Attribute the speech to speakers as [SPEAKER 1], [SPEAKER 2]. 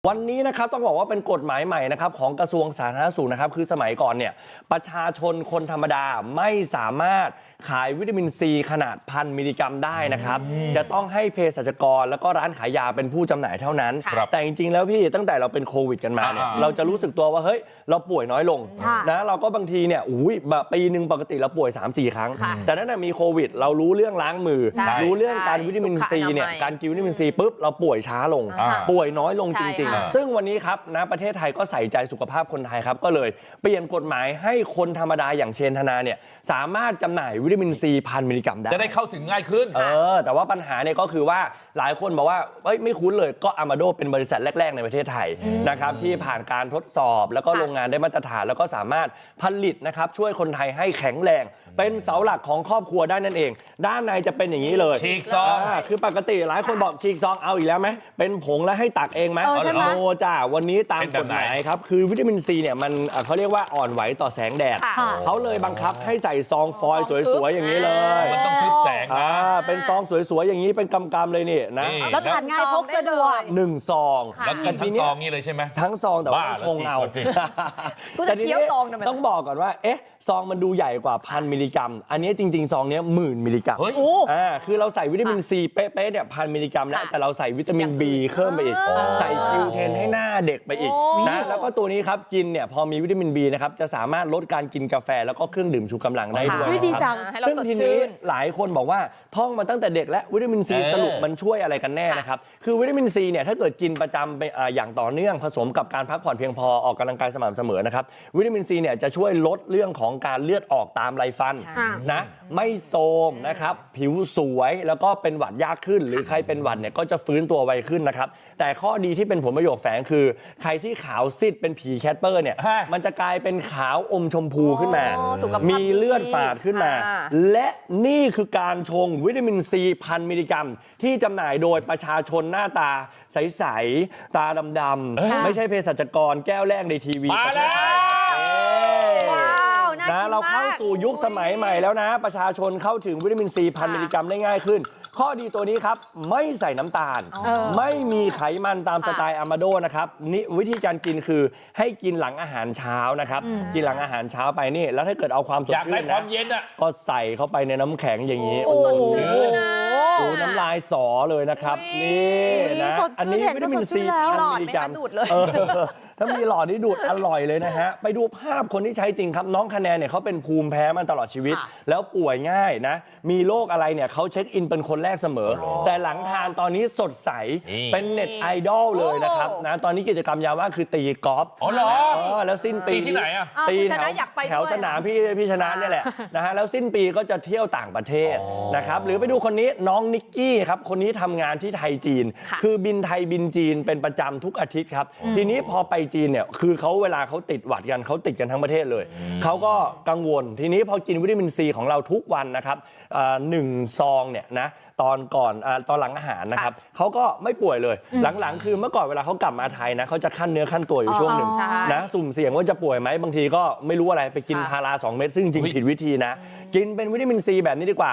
[SPEAKER 1] วันนี้นะครับต้องบอกว่าเป็นกฎหมายใหม่นะครับของกระทรวงสาธารณสุขนะครับคือสมัยก่อนเนี่ยประชาชนคนธรรมดาไม่สามารถขายวิตามินซีขนาด1,000 มิลลิกรัมได้นะครับจะต้องให้เภสัชกรแล้วก็ร้านขายยาเป็นผู้จำหน่ายเท่านั้นแต่จริงๆแล้วพี่ตั้งแต่เราเป็นโควิดกันมาเนี่ยเราจะรู้สึกตัวว่าเฮ้ยเราป่วยน้อยลงนะเราก็บางทีเนี่ยปีนึงปกติเราป่วย 3-4 ครั้งแต่นั้นมีโควิดเรารู้เรื่องล้างมือรู้เรื่องการวิตามินซีเนี่ยการกินวิตามินซีปุ๊บเราป่วยช้าลงป่วยน้อยลงจริงๆซึ่งวันนี้ครับนะประเทศไทยก็ใส่ใจสุขภาพคนไทยครับก็เลยเปลี่ยนกฎหมายให้คนธรรมดาอย่างเชนธนาเนี่ยสามารถจำหน่ายวิตามินซี1,000 มิลลิกรัมได้
[SPEAKER 2] จะได้เข้าถึงง่ายขึ้น
[SPEAKER 1] แต่ว่าปัญหาเนี่ยก็คือว่าหลายคนบอกว่าไม่คุ้นเลยก็อามาโดเป็นบริษัทแรกๆในประเทศไทยนะครับที่ผ่านการทดสอบแล้วก็โรงงานได้มาตรฐานแล้วก็สามารถผลิตนะครับช่วยคนไทยให้แข็งแรงเป็นเสาหลักของครอบครัวได้นั่นเองด้านในจะเป็นอย่างนี้เลย
[SPEAKER 2] ฉีกซอง
[SPEAKER 1] คือปกติหลายคนบอกฉีกซองเอาอีกแล้วไหมเป็นผงแล้วให้ตักเองไหมโนจ้าวันนี้ตามกฎหมายครับคือวิตามินซีเนี่ยมันเขาเรียกว่าอ่อนไหวต่อแสงแดดเขาเลยบังคับให้ใส่ซองฟอยล์สวยๆอย่างนี้เลย
[SPEAKER 2] มันต้องทึบแสงนะ
[SPEAKER 1] เป็นซองสวยๆอย่างนี้เป็นกำๆเลยนี่นะ
[SPEAKER 3] แล้วทานง่ายพกสะดวก
[SPEAKER 1] 1 ซอง
[SPEAKER 2] แล้วกินทั้งซองนี้เลยใช่ไหม
[SPEAKER 1] ทั้งซองแต่ว่าชงเอา
[SPEAKER 3] แต่ทีนี้
[SPEAKER 1] ต้องบอกก่อนว่าซองมันดูใหญ่กว่า1,000 มิลลิกรัมอันนี้จริงๆซองนี้10,000 มิลลิกรัมคือเราใส่วิตามินซีเป๊ะๆเนี่ย1,000 มิลลิกรัมแล้วแต่เราใส่วิตามิน B เพิ่มไปอีกใส่คิวเทนให้หน้าเด็กไปอีกนะแล้วก็ตัวนี้ครับกินเนี่ยพอมีวิตามิน B นะครับจะสามารถลดการกินกาแฟแล้วก็เครื่องดื่มชูกำลังได้ด้วย
[SPEAKER 3] ดีจัง
[SPEAKER 1] ซึ่งทีนี้หลายคนบอกว่าท่องมาตั้งแต่เด็กและวิตามินซีสรุปมันช่วยอะไรกันแน่นะครับคือวิตามินซีเนี่ยถ้าเกิดกินประจำไปอย่างต่อเนื่องผสมกับการพักผ่อนเพียงพอออกกำลังกายสม่ำเสมอนะครับวิตามินซีเนี่ยจะช่วยลดเรื่องของการเลือดออกตามไรฟันนะไม่โทรมนะครับผิวสวยแล้วก็เป็นหวัดยากขึ้นหรือใครเป็นหวัดเนี่ยก็จะฟื้นตัวไวขึ้นนะครับแต่ข้อดีที่เป็นผลประโยชน์แฝงคือใครที่ขาวซีดเป็นผีแคทเปอร์เนี่ยมันจะกลายเป็นขาวอมชมพูขึ้นมามีเลือดฝาดขึ้นมาและนี่คือการชงวิตามินซี1,000 มิลลิกรัมที่จำหน่ายโดยประชาชนหน้าตาใสๆตาดำๆไม่ใช่เภสัชกรแก้วแรกในทีวี
[SPEAKER 2] มาแล้ว
[SPEAKER 1] นะเราเข้าสู่ยุคสมัยใหม่แล้วนะประชาชนเข้าถึงวิตามินซี1,000 มิลลิกรัมได้ง่ายขึ้นข้อดีตัวนี้ครับไม่ใส่น้ำตาลไม่มีไขมันตามสไตล์อามาโดนะครับนี่วิธีการกินคือให้กินหลังอาหารเช้านะครับกินหลังอาหารเช้าไปนี่แล้วถ้าเกิดเอาความสดชื่นนะก็ใส่เข้าไปในน้ำแข็งอย่างนี้โอ้โหน้ำลายสอเลยนะครับนี่นะอันนี้วิตามินซี1,000 มิลลิกรัมถ้ามีหลอดนี่ดูดอร่อยเลยนะฮะไปดูภาพคนที่ใช้จริงครับน้องคะแนนเนี่ยเขาเป็นภูมิแพ้มาตลอดชีวิตแล้วป่วยง่ายนะมีโรคอะไรเนี่ยเขาเช็คอินเป็นคนแรกเสมอแต่หลังทานตอนนี้สดใสเป็นเน็ตไอดอลเลยนะครับนะตอนนี้กิจกรรมยามว่างคือตีกอล์ฟแล้วสิ้นปี
[SPEAKER 2] ที่ไหนอ่ะ
[SPEAKER 1] ตีแถวสนามพี่ชนะเนี่ยแหละนะฮะแล้วสิ้นปีก็จะเที่ยวต่างประเทศนะครับหรือไปดูคนนี้น้องนิกกี้ครับคนนี้ทำงานที่ไทยจีนคือบินไทยบินจีนเป็นประจำทุกอาทิตย์ครับทีนี้พอไปจีนเนี่ยคือเขาเวลาเขาติดหวัดกันเขาติดกันทั้งประเทศเลยเขาก็กังวลทีนี้พอกินวิตามินซีของเราทุกวันนะครับ1 ซองเนี่ยนะตอนหลังอาหารนะครับเขาก็ไม่ป่วยเลยหลังๆคือเมื่อก่อนเวลาเขากลับมาไทยนะเขาจะขั้นเนื้อขั้นตัวอยู่ช่วงหนึ่งนะสุ่มเสี่ยงว่าจะป่วยไหมบางทีก็ไม่รู้อะไรไปกินพารา2 เม็ดซึ่งจริงผิดวิธีนะกินเป็นวิตามินซีแบบนี้ดีกว่า